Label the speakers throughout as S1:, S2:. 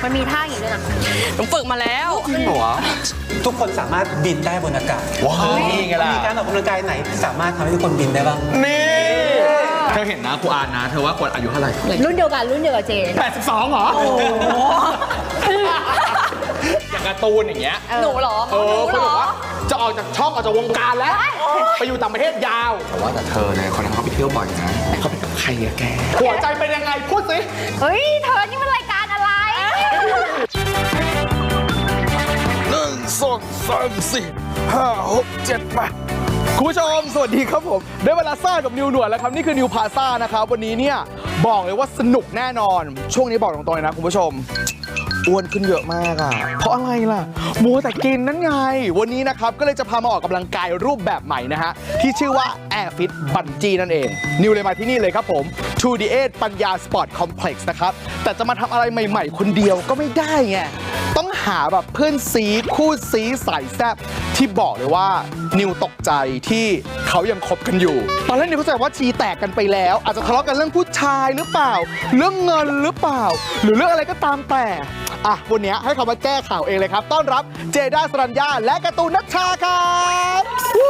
S1: มันมีท่าอย่างนี้ด้วยนะ
S2: หนูฝึกมาแล้ว
S3: จริงเหรอ
S4: ทุกคนสามารถบินได้บนอากาศ
S3: ว้าวนี่ไงล่ะ
S4: มีการออกกำลังกายไหนที่สามารถทำให้ทุกคนบินได้บ้าง
S3: นี่เธอเห็นนะครูอาร์นะเธอว่ากวดอายุเท่าไหร่
S1: รุ่นเดียวกับเจน
S3: 82เหรออย่างการ์ตูนอย่างเงี้ย
S2: หนูเหรอ
S3: คุณบอกว่าจะออกจากช่องออกจากวงการแล้ว ไปอยู่ต่างประเทศยาวแต่เธอเนี่ยคนนั้นเขาไปเที่ยวบ่อยนะเขาไปกับใครอะแกหัวใจเป็นยังไงพูดสิ
S1: เฮ้ยเธอนี่มันรายการอะไร
S3: 1 2 3 4 5 6 7 8คุณผู้ชมสวัสดีครับผมได้เวลาซ่ากับนิวหนวดแล้วครับนี่คือนิวพาซ่านะครับวันนี้เนี่ยบอกเลยว่าสนุกแน่นอนช่วงนี้บอกตรงๆเลยนะคุณผู้ชมอ้วนขึ้นเยอะมากอ่ะเพราะอะไรล่ะมัวแต่กินนั่นไงวันนี้นะครับก็เลยจะพามาออกกำลังกายรูปแบบใหม่นะฮะที่ชื่อว่า Air Fit Bungee นั่นเองนิวเลยมาที่นี่เลยครับผม 2D8 ปัญญาสปอร์ตคอมเพล็กซ์นะครับแต่จะมาทำอะไรใหม่ๆคนเดียวก็ไม่ได้ไงต้องหาแบบเพื่อนซีคู่ซีสายแซ่บที่บอกเลยว่านิวตกใจที่เขายังคบกันอยู่ตอนแรกนิวเข้าใจว่าชีแตกกันไปแล้วอาจจะทะเลาะกันเรื่องผู้ชายหรือเปล่าเรื่องเงินหรือเปล่าหรือเรื่องอะไรก็ตามแต่วันนี้ให้เขามาแก้ข่าวเองเลยครับต้อนรับเจด้าสรัญญาและการ์ตูนนัชชาครับ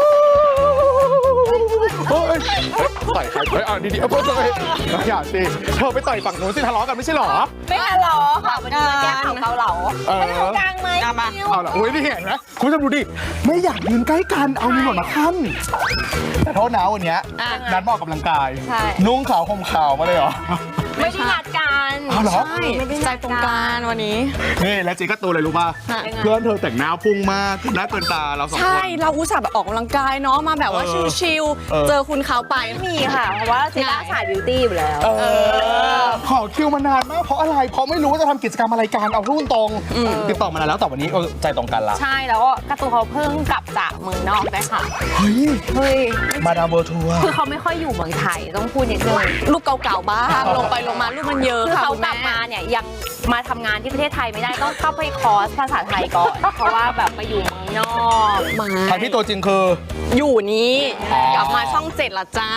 S3: ต่อยใครดีๆเพิ่มเลยอย่าสิเธอไปต่อยฝั่งนู้นสิทะเลาะกันไม่ใช่หรอ
S1: ไม่ทะเลาะค่ะวันนี้มาแก้ข่าวเกาเหลาไม่ทำกลางไหม
S3: เอาล่ะโอ้ยนี่เห็นไหมคุณผู้ชมดูดิไม่อยากยืนใกล้กันเอานี่หมดมาขั้นแต่โทษนะวันนี้นัดมาออกกำลังกายนุ่งขาวห่มขาวมาเลยเหรอ
S1: ไม่ได้นัดกัน
S3: เหรอ
S2: ใช่ใจตรงกันวันนี้
S3: นี่แล้วจีก็ตัวเลยรู้ป่ะเพื่อนเธอแต่งหน้าพุ่งมากน่าเกินตาเราสองคน
S2: ใช่เราอุตส่าห์แบบออกกำลังกายเนาะมาแบบว่าชิลๆเจอคุณเขาไป
S1: มีค่ะเพราะว่าเจด้าสายบิวตี้อยู่แล้ว
S3: ขอคิวมานานมากเพราะอะไรเพราะไม่รู้ว่าจะทำกิจกรรมอะไรกันเอารุ่นตรงติดต่อมานานแล้วแต่วันนี้ใจตรงกันละ
S1: ใช่แล้วก็การ์ตูนเขาเพิ่งกลับจากเมืองนอกได้ค่ะ
S3: เฮ้ยมาดามเบอร์ทัวร์
S1: คือเขาไม่ค่อยอยู่เมืองไทยต้องพูดนิดนึง
S2: รูปเก่าๆบ้างลงไปลงมารูปมันเยอะ
S1: คือ
S2: ค่ะ
S1: เขากลับมาเนี่ยยังมาทำงานที่ประเทศไทยไม่ได้ต้องเข้าไปคอร์สภาษาไทยก่อนเพราะว่าแบบไปอยู่เมืองนอก
S3: ทางที่ตัวจริงคือ
S2: อยู่นี้กลับมาช่อง7ละจ้า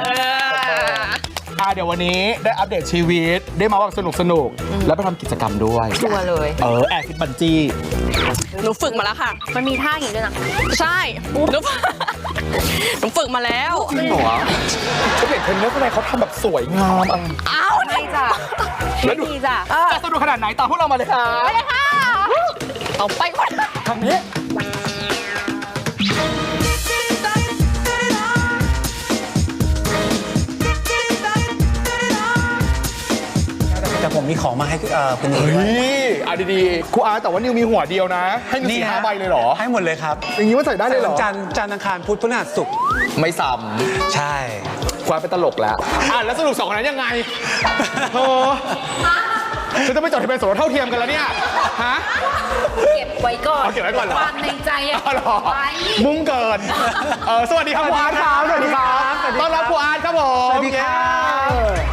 S3: เดี๋ยววันนี้ได้อัปเดตชีวิตได้มาว่าสนุกแล้วไปทำกิจกรรมด้วย
S1: ชัวร์เลย
S3: แอร์ฟิตบันจี้
S2: หนูฝึกมาแล้วค่ะ
S1: มันมีท่าอย่างนี้ด้วยนะ
S2: ใช่หนูฝึกมาแล้ว
S3: จริงเหรอฉันเห็นเทรนเนอร์คนไหนเขาทำแบบสวยงาม
S1: อ้าวไม่จ้ะไม่ดีจ้ะ
S3: จะสนุกขนาดไหนตามพวกเรามาเลยค่ะ
S1: ไปเลยค่ะ
S2: เอาไปก่อน
S3: ทางนี้
S4: แต่ผมมีของมาให้คุณนิว
S3: ดีๆครูอาร์แต่ว่านิวมีหัวเดียวนะให้มี4-5 ใบเลยเหรอ
S4: ให้หมดเลยครับ
S3: อย่างนี้ว่าใส่ได้เลยเหรอ
S4: จันทร์อังคารพุธพฤหัสศุกร์
S3: ไม่ซ้
S4: ำใช่
S3: ครูอาร์เป็นตลกแล้วแล้วสรุป2 คนนั้นยังไงฉันจะไม่จดทะเบียนสมรสเท่าเทียมกันแล้วเนี่ยฮะ
S1: เก็บไว้ก่อน
S3: เก็บไว้ก่อนเหรอ
S1: ความในใจไว้
S3: มุ่งเกินสวัสดีครับครูอาร์ครับสวัสดีครับต้อนรับครูอาร์ครับผม
S4: สวัสดีครับ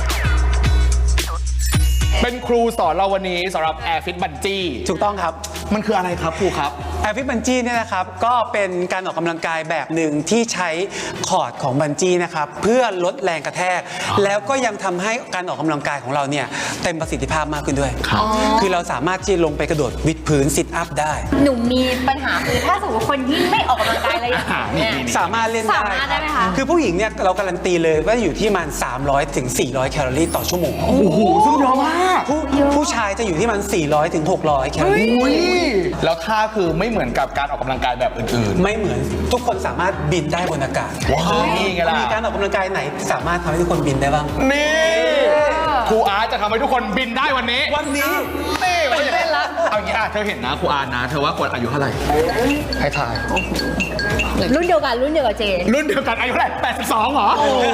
S3: เป็นครูสอนเราวันนี้สำหรับ Air Fit Bungee
S4: ถูกต้องครับ
S3: มันคืออะไรครับครูครับ
S4: Air Fit Bungee เนี่ยนะครับก็เป็นการออกกำลังกายแบบหนึ่งที่ใช้คอร์ดของบันจี้นะครับเพื่อลดแรงกระแทกแล้วก็ยังทำให้การออกกำลังกายของเราเนี่ยเต็มประสิทธิภาพมากขึ้นด้วยคือเราสามารถที่ลงไปกระโดดวิดพื้นซิทอัพได้
S1: หนูมีปัญหาคือถ้าสมมติคนที่ไม่ออกกำลังกายอะไรอย่างเงี้ย
S4: สามารถเล่นได้
S1: ไหมคะ
S4: คือผู้หญิงเนี่ยเราการันตีเลยว่าอยู่ที่มัน300 ถึง 400 แคลอรี่ต่อชั่วโมง
S3: โอ้โหซึ่งเยอะมาก
S4: ผู้ชายจะอยู่ที่มัน400 ถึง 600 แคลอรี่
S3: แล้วท่าคือไม่เหมือนกับการออกกำลังกายแบบอื่น
S4: ๆไม่เหมือนทุกคนสามารถบินได้บนอากาศ
S3: ว้าวนี่ไงล่ะ
S4: มีการออกกำลังกายไหนสามารถทำให้ทุกคนบินได้บ้าง
S3: นี่ครูอาร์จะทำให้ทุกคนบินได้วันนี้
S4: นี่
S3: เล่นละเอาอย่างนี้เธอเห็นนะครูอาร์นะเธอว่ากวดอายุเท่าไหร่ให้ทาย
S1: รุ่นเดียวกับเจน
S3: รุ่นเดียวกันอายุเท่าไหร่82เหรอ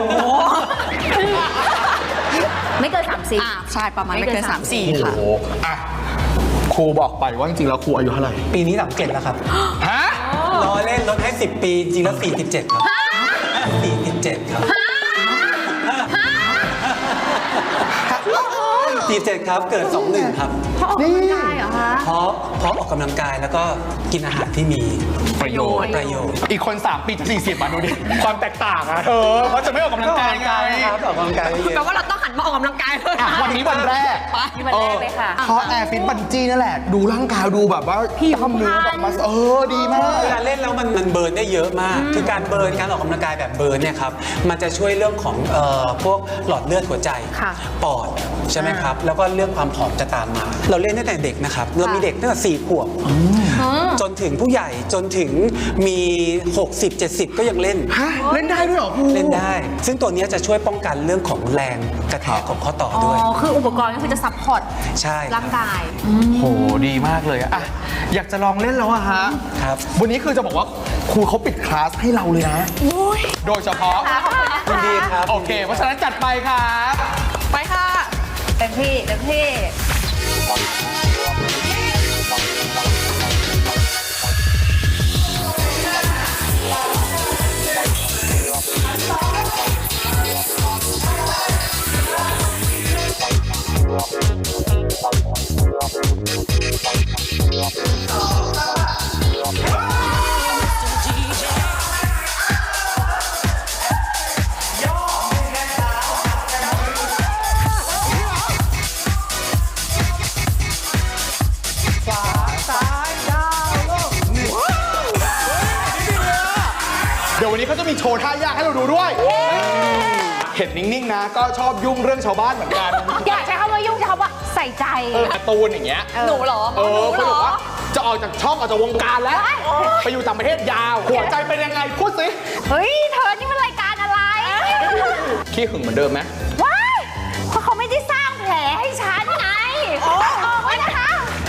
S1: ไม่เกิน30
S2: ใช่ประมาณไม่เกิน34ค่ะ
S3: ครูบอกไปว่าจริงๆแล้วครูอายุเท่าไหร่
S4: ปีนี้37แล้วครับ
S3: ฮะ
S4: รอเล่นลดให้10 ปีจริงแล้ว47ครับ47ครับ47ครับเกิด21ครับ
S1: นี่ได้เหรอคะ
S4: พร้อมเพราะออกกำลังกายแล้วก็กินอาหารที่มี
S3: ประโยชน์
S4: ประโยชน์
S3: อีกคน 3 ปีจะ 40มาดูดิ ความแตกต่างอะเขาจะไม่ออกกำลังกายไง
S4: ครับออกกำลังกายเย
S2: แปล
S4: อะ
S2: ว่าเราต้องหันมาออกกำลังกายเลย
S3: อ่ะวันนี้วันแรก
S1: ที่วันแรกเลยค่ะ
S3: เพราะแอร์ฟิตบันจี้นั่นแหละ ดูร่างกายดูแบบว่าพี่ทำเนื้อแบบมาดีมาก
S4: เวลาเล่นแล้วมันเบิร์นได้เยอะมาก คือการเบิร์นการออกกำลังกายแบบเบิร์นเนี่ยครับมันจะช่วยเรื่องของพวกหลอดเลือดหัวใจ
S1: ค่ะ
S4: ปอดใช่ไหมครับแล้วก็เรื่องความผอมจะตามมา เราเล่นตั้งแต่เด็กนะครับเรามีเด็กตั้งแต่4 ขวบจนถึงผู้ใหญ่จนถึงมี60-70 ก็ยังเล่น
S3: ฮะ เล่นได้ด้วยเหรอครู
S4: เล่นได้ ซึ่งตัวเนี้ยจะช่วยป้องกันเรื่องของแรงกระแทกของข้อต่อ
S1: อ๋อ
S4: ด้วย
S1: คืออุปกรณ์ก็คือจะซัพพอร์ต
S4: ใช่
S1: ร่างกาย
S3: โหดีมากเลยอะอยากจะลองเล่นแล้วอะฮะ
S4: ครับ
S3: วันนี้คือจะบอกว่าครูเขาปิดคลาสให้เราเลยนะ โดยเฉพาะ
S4: ยินดีครับ
S3: โอเค เพราะฉะนั้นจัดไปครับ
S2: ไปค่ะ
S1: เต็มที่เต็มที่
S3: เดี๋ยววันนี้เขาจะมีโชว์ท่ายากให้เราดูด้วย เห็นนิ่งๆนะ ก็ชอบยุ่งเรื่องชาวบ้านเหมือนกัน
S1: อยากใช้คำว่ายุ่งใช้คำว่าใส่ใจ
S3: การ์ตูนอย่างเงี้ย
S2: หนูเหรอ
S3: เขาบอกว่าจะออกจากช่องออกจากวงการแล้ว ไปอยู่ต่างประเทศยาว หัวใจเป็นยังไง พูดสิ
S1: เฮ้ย เธอนี่มันรายการอะไร
S3: ขี้หึงเหมือนเดิมไหม
S1: ว้ายเพราะเขาไม่ได้สร้างแผลให้ฉันไงออกไว้นะคะ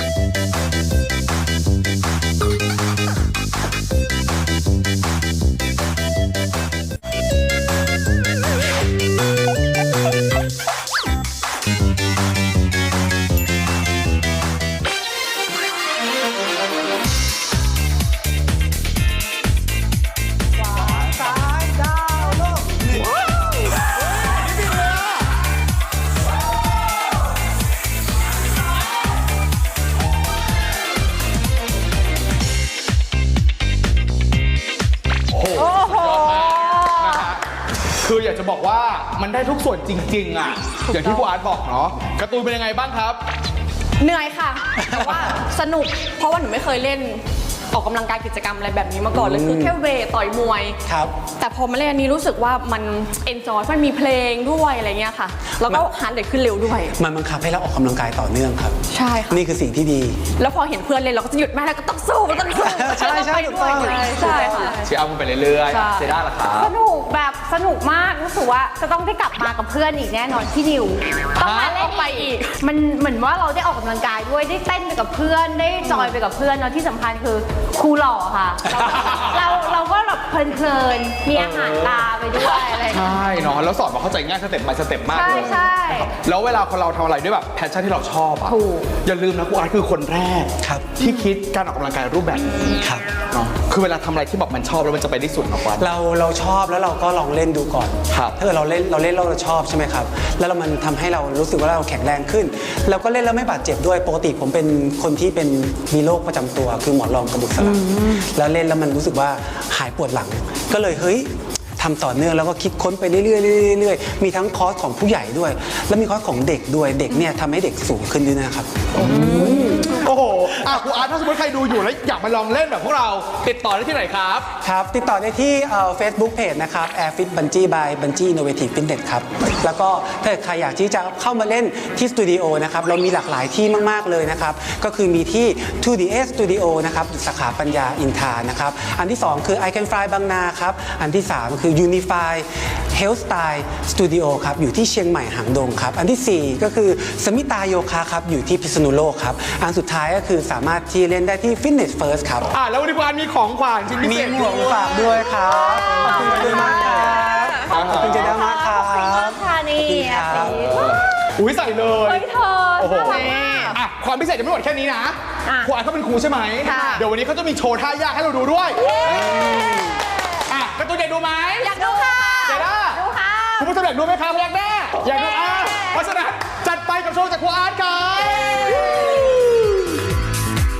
S3: คืออยากจะบอกว่ามันได้ทุกส่วนจริงๆอ่ะ อย่างที่ครูอาร์ตบอกเนาะ การ์ตูนเป็นยังไงบ้างครับ
S2: เหนื่อยค่ะ แต่ว่าสนุก เพราะว่าหนูไม่เคยเล่นออกกำลังกายกิจกรรมอะไรแบบนี้มาก่อนเลย คือแค่เวทต่อยมวย
S4: ครับ
S2: แต่พอมาเล่นอันนี้รู้สึกว่ามันเอนจอยมันมีเพลงด้วยอะไรเงี้ยค่ะ แล้วก็ฮาร์ดเรทขึ้นเร็วด้วย
S4: มันบังคับให้เราออกกำลังกายต่อเนื่องครับ
S2: ใช่ค่ะ
S4: นี่คือสิ่งที่ดี
S2: แล้วพอเห็นเพื่อนเล่นเราก็จะหยุดไม่ได้ก็ต้องสู้ต้องสู้
S4: ใช่ใช่ถูกต้อง
S2: ใช่ค่ะ
S3: เชียร์เอาไปเรื่อย
S2: ใช่
S3: ๆเซด้าล่ะครับ
S1: สนุกแบบสนุกมากรู้สึกว่าจะต้องได้กลับมากับเพื่อนอีกแน่นอนที่นิวต้องมาเล่นไปอีกมันเหมือนว่าเราได้ออกกำลังกายด้วยได้เต้นไปกับเพื่อนได้จอยไปกับเพื่อนแล้วที่สำคัญคือครูหล่อค่ะเราก็แบบเพลินๆมีอาหารตาไปด้วยอะไรอย่างเงี้ย
S3: ใช่เนาะ แล้วสอนมาเข้าใจง่ายสเต็ปbyสเต็ปมาก
S1: ใช่
S3: เลย
S1: ใช่
S3: แล้วเวลาคนเราทำอะไรด้วยแบบแพชชั่นที่เราชอบอ่ะ
S1: ถูก
S3: อย่าลืมนะครูอาร์ตคือคนแรก
S4: ครับ
S3: ที่คิดการออกกำลังกายรูปแบบนี้
S4: ครับ
S3: เนาะ คือเวลาทำอะไรที่แบบมันชอบแล้วมันจะไปได้สุดนะครูอาร์ต
S4: เราชอบแล้วเราก็ลองเล่นดูก่อน
S3: ครับ
S4: ถ้าเกิดเราเล่นแล้วเราชอบใช่ไหมครับ แล้วมันทำให้เรารู้สึกว่าเราแข็งแรงขึ้น เราก็เล่นแล้วไม่บาดเจ็บด้วย ปกติผมเป็นคนที่เป็นมีโรคประจำตัวคือหมอนรองกระดูกสันหลังแล้วเล่นแล้วมันรู้สึกว่าหายปวดหลัง ก็เลยเฮ้ยทำต่อเนื่องแล้วก็คิดค้นไปเรื่อยๆเรื่อยๆมีทั้งคอร์สของผู้ใหญ่ด้วย แล้วมีคอร์สของเด็กด้วยเด็กเนี่ยทำให้เด็กสูงขึ้นด้วยนะครับ
S3: โอ้โหอ่ะครูอาร์ตถ้าสมมติใครดูอยู่แล้วอยากมาลองเล่นแบบพวกเรา ติดต่อได้ที่ไหนครับ
S4: ครับ ติดต่อได้ที่Facebook Page นะครับ Airfit Bungee by Bungee Innovative Fitness ครับ แล้วก็ถ้าใครอยากที่จะเข้ามาเล่นที่สตูดิโอนะครับ เรามีหลากหลายที่มาก ๆ เลยนะครับ ก็คือมีที่ 2DS Studio นะครับสาขาปัญญาอินทรานะครับ อันที่ 2 คือ I Can Fly บางนาครับ อันที่ 3 คือ Unify Health Style Studio ครับ อยู่ที่เชียงใหม่หางดงครับ อันทีสี่ 4 ก็คือสมิตาโยคะครับ อยู่ที่พิษณุโลกครับ อันสุดท้ายก็คือสามารถที่เล่นได้ที่ Fitness First ครับ
S3: แล้ววันนี้ครูอาร์ตมีของขวัญชิ้นพิ
S4: มี
S3: เศษ
S4: หมวกฝากด้วยครับ ขอบคุณเจด้ามากครับขอบคุณเจด้ามากครับ
S1: ค่ะนี่
S4: ขอบคุณครับ
S3: อุ้ยใส่เลย
S1: เฮ้ยเธอ
S3: โอ้โห
S1: น่ารักมาก
S3: อ่ะความพิเศษจะไม่หมดแค่นี้นะ
S1: อ่ะ
S3: ครูอาร์ตเขาเป็นครูใช่ไหม
S1: ค่ะ
S3: เดี๋ยววันนี้เขาจะมีโชว์ท่ายากให้เราดูด้วยการ์ตูนอยากดูไหม
S1: อยากดูค่ะ
S3: เจด้า
S1: ดูค่ะ
S3: คุณผู้ชมอยากดูไหมครับอยากแน่อยากดูเพราะฉะนั้นจัดไปกับโชว์จากครูอาร์ตครับ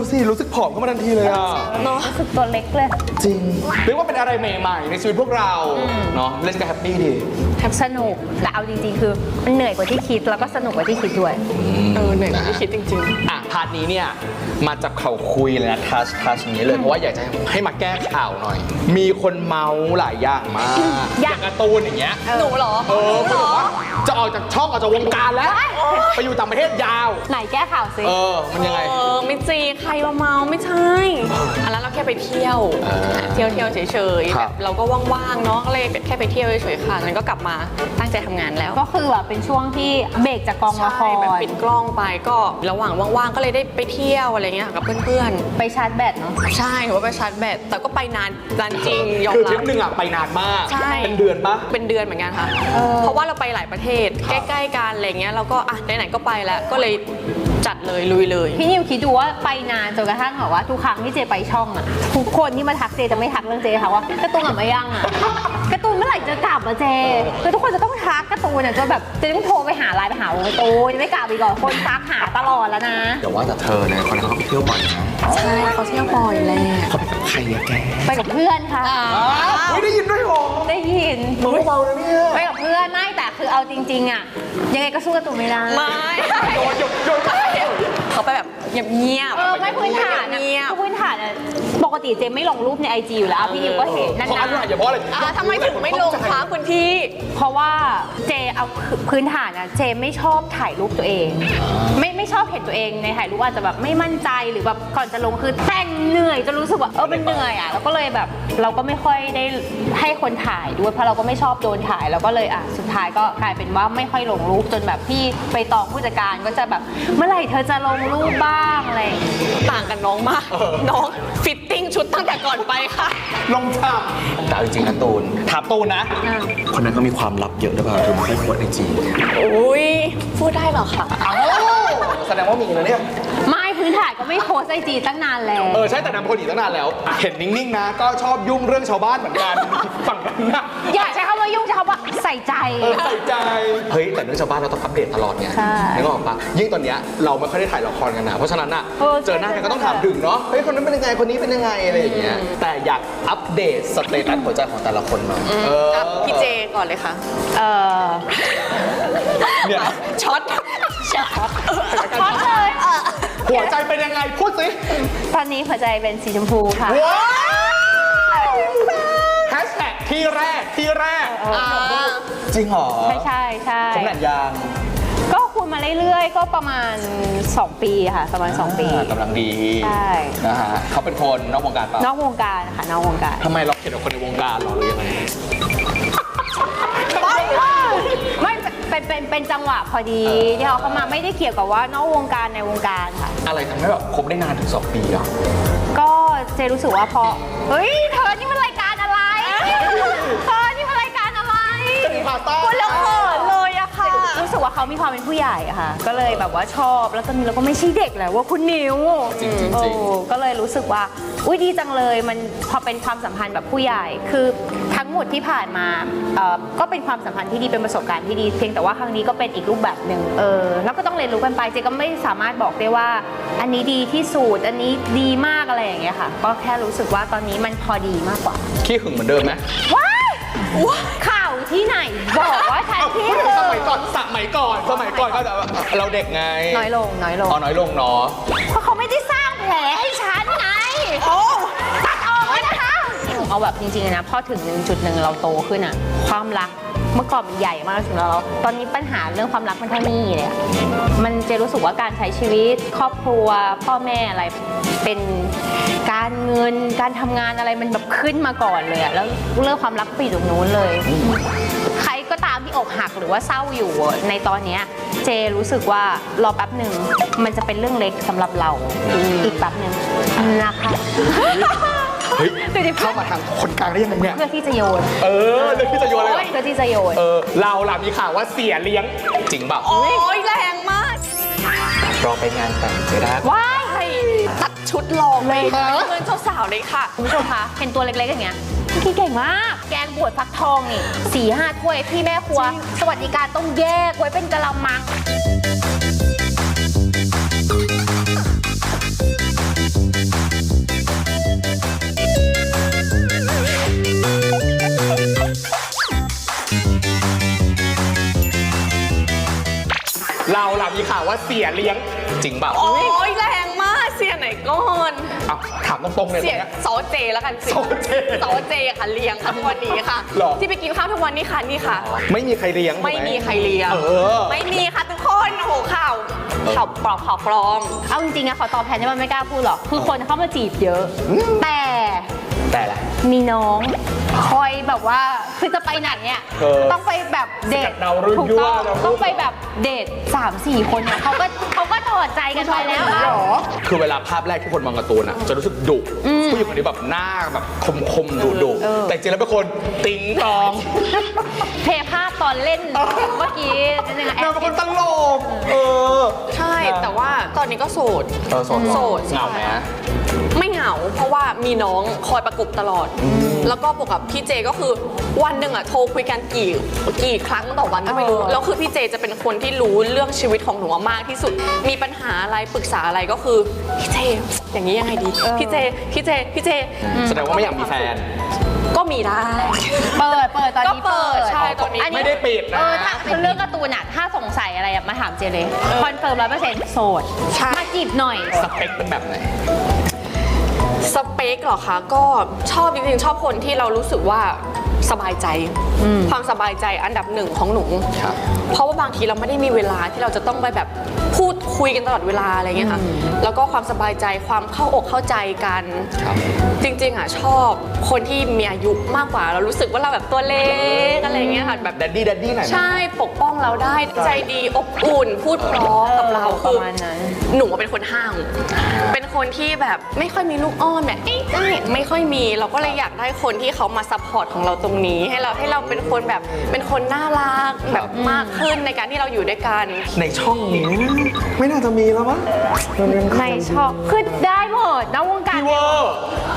S3: ดูสิรู้สึกผอมขึ้นมาทันทีเลยอ่ะ
S1: รู้สึกตัวเล็กเลย
S3: จริงเรียกว่าเป็นอะไรใหม่ๆในชีวิตพวกเราเนาะเล่นกันแฮปปี้ดี
S1: สนุกแต่เอาจริงๆ คือมันเหนื่อยกว่าที่คิดแล้วก็สนุกกว่าที่คิดด้วย
S2: เหนื่อยกว่าที่คิดจริง
S3: อ่ะพาร์ทนี้เนี่ยมาจับเข่าคุยเลยนะทัชนี้เลยเพราะว่าอยากจะให้มาแก้ข่าวหน่อย มีคนเมาหลายอย่างมากอย่างการ์ตูนอย่างเงี้ย
S2: ๆ หนูเหรอ
S3: เขาบอกว่าจะออกจากช่องออกจากวงการแล้ว ไปอยู่ต่างประเทศยาว
S1: ไหนแก้ข่าวสิ
S3: มันยังไง
S2: ไม่จริงใครมาเมาไม่ใช่อันนั้นเราแค่ไปเที่ยวเที่ยวเฉยๆ
S3: ค
S2: แบ
S3: รับบ
S2: เราก็ว่างๆเนาะก็เลยแค่ไปเที่ยวเฉยๆค่ะนั้นก็กลับมาตั้งใจทำงานแล้ว
S1: ก็คือแบบเป็นช่วงที่เบรกจากกองละค
S2: ใช่แบบ
S1: ร
S2: ปิดกล้องไปก็ระหว่างว่างๆก็เลยได้ไปเที่ยวอะไรเงี้ยกับเพื่อน
S1: ไปชาร์จแบตเนาะ
S2: ๆใช่หนูว่าไปชาร์จแบตแต่ก็ไปนานจริงยอม
S3: คือ
S2: รั
S3: ทริป
S2: บ
S3: หนึ่งอ่ะไปนานมาก
S2: ใช่
S3: เป็นเดือนปะ
S2: เป็นเดือนเหมือนกันค่ะ เพราะว่าเราไปหลายประเทศ
S3: ครับ
S2: ใกล้ๆกันอะไรเงี้ยเราก็อ่ะไหนๆก็ไปแล้วก็เลยจัดเลยลุยเลย
S1: พี่นิวคิดดูว่าไปนานจนกระทั่งแบบว่าทุกครั้งที่เจไปช่องอะทุกคนที่มาทักเจจะไม่ทักเรื่องเจค่ะว่าการ์ตูนกลับมายังอะการ์ตูนเมื่อไหร่จะกลับมาเจคือทุกคนจะต้องทักการ์ตูนอะจนแบบเจต้องโทรไปหาไลน์ไปหาวงการ์ตูนจะไม่กลับอีกหรอคนทักหาตลอดแล้วนะ
S3: เดี๋ยวว่าแต่เธอเนี่ยคนนั้นเขาไปเที่ยวบ่อยนะ
S2: ใช่เขาเที่ยวบ่อยแหละ
S3: เขาไปกับใครอะแก
S1: ไปกับเพื่อนค่ะ
S3: ไม่ได้ยินด้วยหรอ
S1: ได้ยิน
S3: เบาๆนะเนี่ย
S1: ไปกับเพื่อนไม่แต่คือเอาจริง ๆอะยังไงก็สู้การ์ตูนไม่ได้
S2: ไม่
S3: โยน
S2: เขาไปแบบเงียบ
S1: ไม่พื้นฐานอะ
S2: เงียบ
S1: คือพื้นฐานอะปกติเจไม่ลงรูปในไอจีอยู่แล้วพี่นิวก็เห็นนั่น
S3: เพราะ
S1: นะ
S3: อะไรอย่าเพราะอะไร
S2: ทำไมถึงไม่ลงคะคุณพี่
S1: เพราะว่าเจเอาพื้นฐานอะเจไม่ชอบถ่ายรูปตัวเอง ไม่ชอบเห็นตัวเองในถ่ายรูปอาจจะแบบไม่มั่นใจหรือแบบก่อนจะลงคือแต่งเหนื่อยจะรู้สึกว่ามันเหนื่อยอะแล้วก็เลยแบบเราก็ไม่ค่อยได้ให้คนถ่ายด้วยเพราะเราก็ไม่ชอบโดนถ่ายแล้วก็เลยสุดท้ายก็กลายเป็นว่าไม่ค่อยลงรูปจนแบบพี่ไปตองผู้จัดการก็จะแบบเมื่อไหร่เธอจะลงรูปบ้างอะไรอย่างเงี้ย
S2: ต่างกันน้องมาก น้องฟิตติ้งชุดตั้งแต่ก่อนไปค่ะ
S3: ลงฉากแต่เอาจริงๆนะตูนถามตูนนะ คนนั้นเขามีความลับเยอะหรือเปล่าถึงไม่ค่อยโพสไอจี
S2: อุ้ยพูดได้เหรอคะ
S3: แสดงว่ามีนะเนี่ย
S1: ไม่พื้นฐานก็ไม่โพสไอจีตั้งนานแล้ว
S3: ใช่แต่นำคนอีกตั้งนานแล้ว เห็นนิ่งๆนะ ก็ชอบยุ่งเรื่องชาวบ้านเหมือนกัน ฝั่งนั้นนะ
S1: อย่าใช้คำว่ายุ่งใช้คำว่าใส่ใจ
S3: ใส่ใจ เฮ้ย แต่เรื่องชาวบ้านเราต้องอัปเดตตลอดไง
S1: ใช่
S3: นึกออกปะยิ่งตอนเนี้ยเราไม่ค่อยได้ถ่ายละครกันนะ เพราะฉะนั้นอะ
S1: เออ
S3: เจอหน้ากันก็ต้องถามถึงเนาะ เฮ้ย คนนั้นเป็นยังไง คนนี้เป็นยังไง อะไรอย่างเงี้ย แต่อยากอัปเดตสเตตัสหัวใจของแต่ละคนหน่อยเออ
S2: พี่เจก่อนเลยค่ะ
S3: เนี่ย
S2: ช็อต
S1: ช็อตเลย
S3: หัวใจเป็นยังไง พูดสิ
S1: ตอนนี้หัวใจเป็นสีชมพูค่ะ
S3: ว้าวแฮชแท็กที่แรกจริงเหรอ
S1: ใช่
S3: ผมแหนยาง
S1: ก็คุยมาเรื่อยๆ ก็ประมาณ 2 ปีค่ะ ประมาณ 2 ปี
S3: กำลังดี
S1: ใช่
S3: นะฮะเขาเป็นคนนอกวงการเปล่าน
S1: อกวงการค่ะนอกวงการ
S3: ทำไมเราเขียนกับคนในวงการหรอหรือยังไง
S1: ไม่เป็นจังหวะพอดีที่เขาเข้ามาไม่ได้เกี่ยวกับว่านอกวงการในวงการค่ะ
S3: อะไรทำให้แบบคบได้นานถึง 2 ปีอ่ะ
S1: ก็เจรู้สึกว่าพอเฮ้ยเธอนี่มันรายการอะไรเธอนี่มันรายการอะไร
S3: พาต้า
S1: พูดแล้วเขินเลยอะค่ะรู้สึกว่าเขามีความเป็นผู้ใหญ่อะค่ะ ก็เลยแบบว่าชอบแล้วตอนนี้เราก็ไม่ใช่เด็กแล้วว่าคุณนิว
S3: จริงๆ
S1: โอ้ก็เลยรู้สึกว่าอุ้ยดีจังเลยมันพอเป็นความสัมพันธ์แบบผู้ใหญ่คือทั้งหมดที่ผ่านมาก็เป็นความสัมพันธ์ที่ดีเป็นประสบการณ์ที่ดีเพียงแต่ว่าครั้งนี้ก็เป็นอีกรูปแบบหนึ่งแล้วก็ต้องเรียนรู้กันไปเจก็ไม่สามารถบอกได้ว่า อันนี้ดีที่สุดอันนี้ดีมากอะไรอย่างเงี้ยค่ะ ก็แค่รู้สึกว่าตอนนี้มันพอดีมากกว่า
S3: ขี้หึงเหมือนเดิมไหม
S1: ว้ายข่าวที่ไหนบอกว่าฉัน
S3: เอ้า
S1: ที่
S3: สมัยก่อนก็จะเราเด็กไง
S1: น้อยลง
S3: อ๋อน้อยลงเนาะ
S1: เพราะเขาไม่ได้สร้างแผลให้ฉันไงโอ้ตัดออกเลยนะคะเอาแบบจริงๆนะพอถึงจุดหนึ่งเราโตขึ้นอะความรักเมื่อก่อนมันใหญ่มากสำหรับเราตอนนี้ปัญหาเรื่องความรักมันเท่านี้เลยอะมันจะรู้สึกว่าการใช้ชีวิตครอบครัวพ่อแม่อะไรเป็นการเงินการทำงานอะไรมันแบบขึ้นมาก่อนเลยอะแล้วเรื่องความรักไปอยู่ตรงนู้นเลย ใครก็ตามที่อกหักหรือว่าเศร้าอยู่ในตอนเนี้ยเจรู้สึกว่ารอแป๊บหนึ่งมันจะเป็นเรื่องเล็กสำหรับเราอีกแป๊บหนึ่งนะคะ
S3: เฮ้ย
S1: ดูดิ
S3: เข้ามาทางคนกลางได้ยังไงเนี่ย
S1: เพื่อที่จะโยน
S3: เรื่องที่จะโยนอะไรเหรอ
S1: เพื่อที่จะโยน
S3: เราล่ะมีข่าวว่าเสียเลี้ยงจริงเปล่า
S2: โอ้ยแรงมาก
S3: รอไปงานแต่งจะได้
S1: ว้าย
S2: ตัดชุดลองเลยเพื่อนเจ้าสาวเลยค่ะ
S1: คุณผู้ชมคะเห็นตัวเล็กๆอย่างเงี้ยพี่เก่งมาก แกงบวชฟักทองนี่4-5 ถ้วยพี่แม่ครัว สวัสดิการต้องแยกไว้เป็นกะละมัง
S3: เราล่ะมีข่าวว่าเสียเลี้ยงจริงเปล่า
S2: โอ้ยแรงมากเสียไหนก่อน
S3: เอาถามตรงๆเลย
S2: เสีย
S3: เนี่ย
S2: ซอเจแล้วกันสิ
S3: ซอเจ
S2: ซอเจค่ะเลี้ยงค่ะทุกวันนี้ค่ะ
S3: หรอ
S2: ที่ไปกินข้าวทุกวันนี้ค่ะนี่ค่ะ
S3: ไม่มีใครเลี้ยง
S2: ไม่มีใครเลี้ยง
S3: เออ
S2: ไม่มีค่ะทุกคนโอ้โหข่าวปลอมข่าวปลอม
S1: เอาจริงๆอะขอตอบแทนที่มันไม่กล้าพูดหรอกคือคนเข้ามาจีบเยอะ แต่
S3: แต่ละ
S1: มีน้องคอยแบบว่าคือจะไปไหนเนี่ย
S3: เออ
S1: ต้องไปแบบเดท
S3: สกัดดาวรุ่ง
S1: ถูกต้อง
S3: ยั่วดาวรุ่ง
S1: ต้องไปแบบเดท3-4 คนเนี่ยเขาก็ถอดใจกันไปแล้วอะ
S3: คือเวลาภาพแรกที่คนมองการ์ตูนอ่ะจะรู้สึกดุผู้หญิงคนนี้แบบหน้าแบบคมๆดุๆแต่จริงแล้วเป็นคนติ๊งตอง
S1: เพลย์ภาพตอนเล่นเมื่อกี้เป็นยังไง
S3: นางเป็นคนตลก
S2: ใช่แต่ว่าตอนนี้ก็โสด
S3: โสด
S2: โสด
S3: เหงาไหม
S2: ไม่เหงา เพราะว่ามีน้องคอยประกบตลอด แล้วก็บวกกับพี่เจก็คือวันหนึ่งอะโทรคุยกันกี่ครั้งต่อวันก็ไม่รู้แล้วคือพี่เจจะเป็นคนที่รู้เรื่องชีวิตของหนูมากที่สุด มีปัญหาอะไรปรึกษาอะไรก็คือพี่เจอย่างนี้ยังไงดีพี่เจ
S3: แสดงว่าไม่อยากมีแฟน
S2: ก็มีได้
S1: เปิดตอนนี้
S2: ก็เปิดใช่ตอนนี้
S3: ไม่ได้ปิดนะ
S1: ถ้าคือเรื่องการ์ตูนอะถ้าสงสัยอะไรอะมาถามเจเลยคอนเฟิร์ม100%โสด
S2: ใช่
S1: มาจีบหน่อย
S3: สเปคเป็นแบบไหน
S2: สเปคเหรอคะก็ชอบจริงๆชอบคนที่เรารู้สึกว่าสบายใจ ความสบายใจอันดับหนึ่งของหนู
S3: ครับ
S2: เพราะว่าบางทีเราไม่ได้มีเวลาที่เราจะต้องไปแบบพูดคุยกันตลอดเวลาอะไรเงี้ยค่ะแล้วก็ความสบายใจความเข้าอกเข้าใจกัน
S3: ครับ
S2: จริงๆอ่ะชอบคนที่มีอายุมากกว่าเรารู้สึกว่าเราแบบตัวเล็กอะไรเงี้ยค่ะแบบ
S3: แดดดี้หน่อยนะ
S2: ใช่ปกป้องเราได้ใจดีอบอุ่น พูดเพราะกับเรา
S1: ประมาณนั้น
S2: หนูเป็นคนห้าวเป็นคนที่แบบไม่ค่อยมีลูกอ้อนแบบไม่ค่อยมีเราก็เลยอยากได้คนที่เขามาซัพพอร์ตของเราตรงนี้ให้เราเป็นคนแบบเป็นคนน่ารักแบบมากขึ้นในการที่เราอยู่ด้วยกัน
S3: ในช่องนี้ไม่น่าจะมีแล้วมั้ง
S1: ไม่ชอบคือได้หมดนะวงการ
S3: พี่เวอร์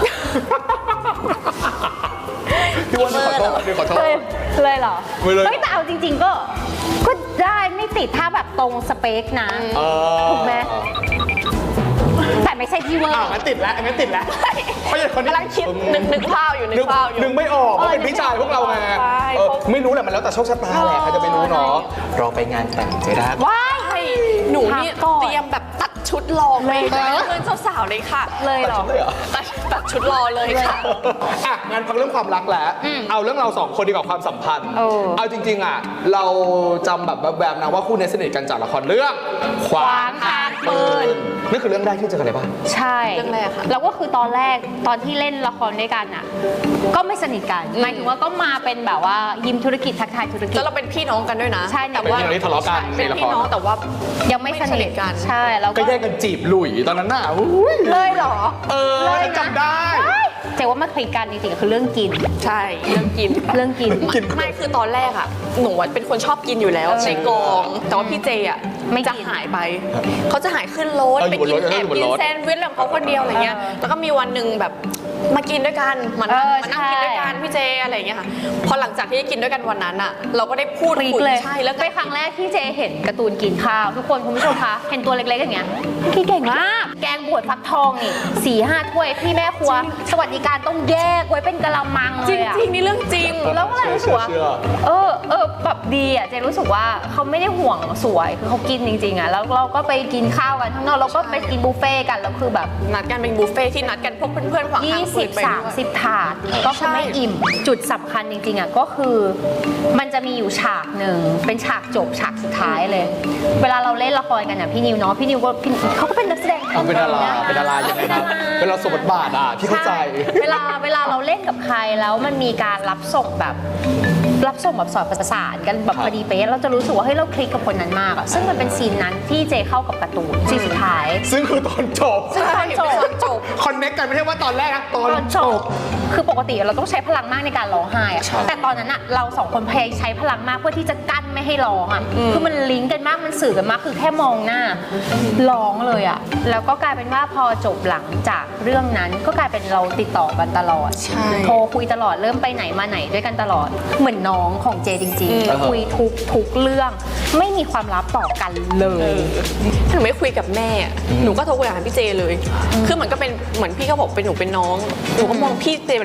S3: พี่เวอร์นี่ขอโทษ
S1: เลยเหรอ
S3: ไม่เลย
S1: เฮ้ยแต่เอาจริง ๆ ก็ได้ไม่ติดถ้าแบบตรงสเปคนะ ถูกไหม แต่ไม่ใช่พี่เวอร์
S3: งั้นติดแล้วเพราะอย่างคนนี้
S2: กำลังคิดนึกภาพอยู่นึกภาพอยู่
S3: นึกไม่ออกว่าเป็นพี่ชายพวกเราไง
S2: ใช่
S3: ไม่รู้แหละมันแล้วแต่โชคชะตาแหละใครจะไปรู้เนาะรอไปงานแต่งเจด้า
S1: ว้าย
S2: หนูนี่
S1: พักก่อน
S2: เตรียมแบบตัดชุดรอเลย
S1: เลยเหรอ
S2: เพื่อนเจ้าสาวเลยค่ะ
S1: เลยเหรอ
S2: ตัดชุดรอเลยค่ะ
S3: อ่ะงานพักเรื่องความรักแล้ว เอาเรื่องเราสองคนดีกว่าความสัมพันธ์ เอาจริงๆอ่ะเราจำแบบแบบๆนะว่าคู่นี้สนิทกันจากละครเรื่องขวางทางปืนนี่คือเรื่องแรกที่เจอกันเลยป่ะ
S1: ใช่
S2: เรื่องแรกค่ะ
S1: แล้วก็คือตอนแรกตอนที่เล่นละครด้วยกันอ่ะ ก็ไม่สนิทกันหมายถึงว่าก็มาเป็นแบบว่ายิมธุรกิจทักทายธุรกิจ
S2: แล้วเราเป็นพี่น้องกันด้วยนะ
S1: ใช่
S2: แต่
S3: เป็น
S2: ว่า
S3: พี่น้องที่ทะเลาะกัน
S2: เป็น
S3: ในละคร
S2: พี่น้องแต่ว่า
S1: ยังไม่ส
S2: ไม่สนิ
S1: นิท
S2: ทกัน
S1: ใช่แล้ว
S3: ก็
S1: ก็
S3: แยกกันจีบหลุยตอนนั้นน่ะอุ้ย
S1: เลยเหรอ
S3: ฉันจำได้
S1: เจ๊ว่ามาคลิกกันจริงๆคือเรื่องกิน
S2: ใช่เรื่องกิน
S1: เรื่องกิน
S2: ไม่คือตอนแรกอะหนูอะเป็นคนชอบกินอยู่แล้วในกอง แต่ว่าพี่เจอะ
S1: ไม่กิน
S2: จะหายไป เขาจะหายขึ้นรถ
S3: อยู่
S2: ไป
S3: บน
S2: กิ
S3: ร
S2: น
S3: ถ
S2: แอบ
S3: อยู่บน
S2: กิน
S3: รถ
S2: แซนด์วิชของเขาคนเดียวอะไรเงี้ย แล้วก็มีวันหนึ่งแบบมากินด้วยกันมานั่งมานั่งกินด้วยกันพี่เจอะไรเงี้ยค่ะพอหลังจากที่กินด้วยกันวันนั้นอะเราก็ได้พูด
S1: คลิก
S2: คุย
S1: เลย
S2: ใช่แล้วก็
S1: เป็นครั้งแรกที่เจเห็นการ์ตูนกินข้าว ทุกคนคุณผู้ชมคะเห็นตัวเล็กๆอย่างเงี้ยพี่เก่งมาก แกงบวชฟักทองนี่4-5 ถ้วยพี่แม่ครัว สวัสดิการต้องแยกไว้เป็นกะละมังเล
S2: จ
S1: ยอะ
S2: ริงๆนี่เรื่องจริง
S1: แล้วก็เลยรู้สึกว่า
S3: เชื่อ
S1: แบบดีอ่ะเจรู้สึกว่าเขาไม่ได้ห่วงสวยคือเขากินจริงๆอ่ะแล้วเราก็ไปกินข้าวกันข้างนอกเราก็ไปกินบุฟเฟ่ต์กันแล้วคือแบบ
S2: นัดกันเป็นบุฟเฟ่ที่นัดกันพวกเพื่อนๆฝั่งทางปืนไปด้วย
S1: 20-30 ถาดก็คือไม่อิ่มจุดสำคัญจริงๆอ่ะก็คือมันจะมีอยู่ฉากหนึ่งเป็นฉากจบฉากสุดท้ายเลย เวลาเราเล่นละครกันอ่ะพี่นิวเนาะพี่นิวก็เขาก็เป็นนักแสดง
S3: เป็นดารายังไงครับเป็นเราสมบทบาทอ่ะพี่เข้าใจ
S1: เวลาเราเล่นกับใครแล้วมันมีการรับส่งแบบสอดประสานกันแบบพอดีเป๊ะเราจะรู้สึกว่าเฮ้ยเราคลิกกับคนนั้นมากอะซึ่งมันเป็นซีนนั้นที่เจเข้ากับการ์ตูนซีนสุดท้าย
S3: ซึ่งคือตอนจบ
S1: ซึ่งตอนจบ
S2: จบ
S3: คอนเน็กกันไม่ใช่ว่าตอนแรกนะตอน
S1: ตอนจบคือปกติเราต้องใช้พลังมากในการร้องไห้อะ
S3: ใช่
S1: แต่ตอนนั้นอะเราสองคนพยายามใช้พลังมากเพื่อที่จะกั้นไม่ให้ร้องอะคือมันลิงก์กันมากมันสื่อกันมากคือแค่มองหน้าร้องเลยอะแล้วก็กลายเป็นว่าพอจบหลังจากเรื่องนั้นก็กลายเป็นเราติดต่อกันตลอด
S2: ใช่
S1: โทรคุยตลอดเริ่มไปไหนมาไหนด้วยกันตลอดเหมือนน้องของเจจริงๆคุยทุกเรื่องไม่มีความลับต่อกันเลย
S2: ถึงไม่คุยกับแม่หนูก็โทรคุยกับพี่เจเลยคือเหมือนก็เป็นเหมือนพี่ก็บอกเป็นหนูเป็นน้องหนูก็มองพี่เจเป็น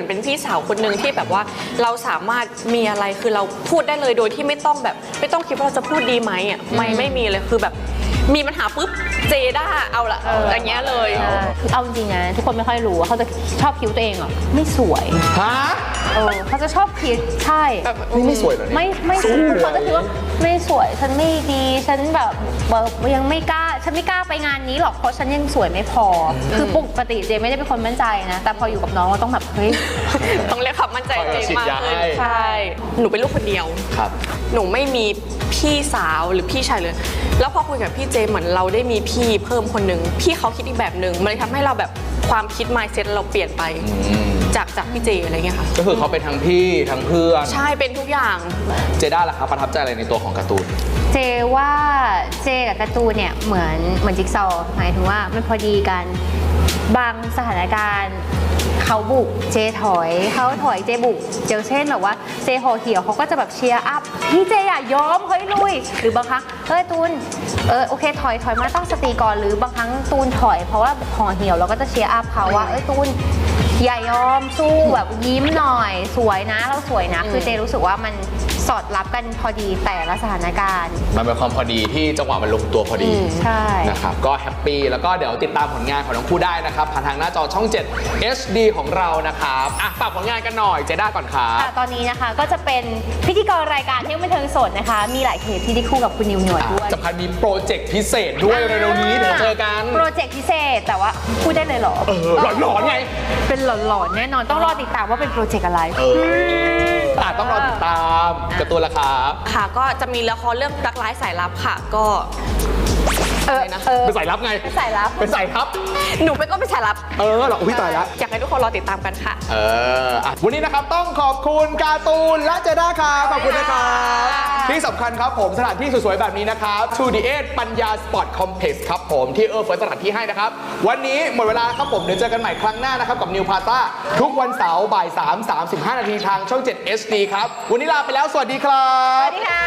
S2: เหมือนเป็นพี่สาวคนหนึ่งที่แบบว่าเราสามารถมีอะไรคือเราพูดได้เลยโดยที่ไม่ต้องแบบไม่ต้องคิดว่าเราจะพูดดีไหมอ่ะไม่มีเลยคือแบบมีปัญหาปุ๊บเจด้าเอาละอย่างเงี้ยเลย
S1: เอาจริงๆนะทุกคนไม่ค่อยรู้ว่าเขาจะชอบคิ้วตัวเองอ่ะไม่สวย
S3: ฮะ
S1: เขาจะชอบคิดใช่
S3: นี่ไม่สวยเหรอเนี่ย
S1: ไม่สวยเขาจะคิดว่าไม่สวยฉันไม่ดีฉันแบบยังไม่กล้าฉันไม่กล้าไปงานนี้หรอกเพราะฉันยังสวยไม่พอคือปกติเจไม่ได้เป็นคนมั่นใจนะแต่พออยู่กับน้องเราต้องแบบเฮ้ย
S2: ต้องเรียกความมั่นใจตัวเองมากขึ้น
S3: ใช่
S2: ใช่หนูเป็นลูกคนเดียว
S3: ครับ
S2: หนูไม่มีพี่สาวหรือพี่ชายเลย แล้วพอคุยกับพี่เจเหมือนเราได้มีพี่เพิ่มคนหนึ่งพี่เขาคิดอีกแบบหนึ่งมันเลยทำให้เราแบบความคิด mindset เราเปลี่ยนไปจากพี่เจอะไรเงี้ยค่ะ
S3: ก็คือเขาเป็นทั้งพี่ทั้งเพื่อน
S2: ใช่เป็นทุกอย่าง
S3: เจด้าล่ะครับประทับใจอะไรในตัวของการ์ตูน
S1: เจว่าเจกับการ์ตูนเนี่ยเหมือนจิ๊กซอว์หมายถึงว่ามันพอดีกันบางสถานการณ์เขาบุกเจถอยเขาถอยเจบุกอย่างเช่นแบบว่าเจห่อเหี่ยวเขาก็จะแบบเชียร์อัพพี่เจอย่ายอมเฮ้ยลุยหรือบางครั้งเฮ้ยตูนโอเคถอยมาตั้งสติก่อนหรือบางครั้งตูนถอยเพราะว่าห่อเหี่ยวเราก็จะเชียร์อัพเขาว่าตูนอย่ายอมสู้แบบยิ้มหน่อยสวยนะเราสวยนะคือเจรู้สึกว่ามันสอดรับกันพอดีแต่ละสถานการณ์
S3: มันเป็นความพอดีที่จังหวะมันลงตัวพอดี
S1: ใช่
S3: นะครับก็แฮปปี้แล้วก็เดี๋ยวติดตามผลงานของทั้งคู่ได้นะครับผ่านทางหน้าจอช่อง 7 HD ของเรานะครับอ่ะฝากผลงานกันหน่อยเจด้าก่อนครับ
S1: ค่ะตอนนี้นะคะก็จะเป็นพิธีกรรายการเที่ยวบันเทิงสดนะคะ มีหลายเทปที่ได้คู่กับคุณนิวหนวดด้วย
S3: สำคัญมีโปรเจกต์พิเศษด้วยเร็วๆนี้เดี๋ยวเจอกัน
S1: โปรเจกต์พิเศษแต่ว่าพูดได้เลยเหรอ
S3: หลอนๆไง
S1: เป็นหลอนๆแน่นอนต้องรอติดตามว่าเป็นโปรเจกต์อะไร
S3: ต้องรอติดตามการ์ตูนละครับ
S2: ค่ะก็จะมีละครเรื่องรักร้ายสายลับค่ะก็อะไรนะ
S3: เป็นสายลับไง
S1: เป็นสายลับ
S3: เป็นสายลับ
S2: หนูเป็นก็เป็นสายลับ
S3: เหรออุ้ยตายแล้ว
S2: อยากให้ทุกคนรอติดตามกันค่ะ
S3: วันนี้นะครับต้องขอบคุณการ์ตูนและเจด้าครับขอบคุณนะครับที่สำคัญครับผมสถานที่สวยๆแบบนี้นะครับ To the 8ปัญญาสปอร์ตคอมเพล็กซ์ครับผมที่เฟิร์สสถานที่ให้นะครับวันนี้หมดเวลาครับผมเดี๋ยวเจอกันใหม่ครั้งหน้านะครับกับนิวพาซ่าทุกวันเสาร์บ่าย 3:35 นาทีทางช่อง 7 HD ครับวันนี้ลาไปแล้วสวัสดีครั
S1: ส
S3: บ
S1: วัสดีค่ะ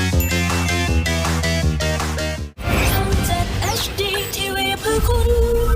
S5: ช่อง 7 HD TV เพื่อคุณ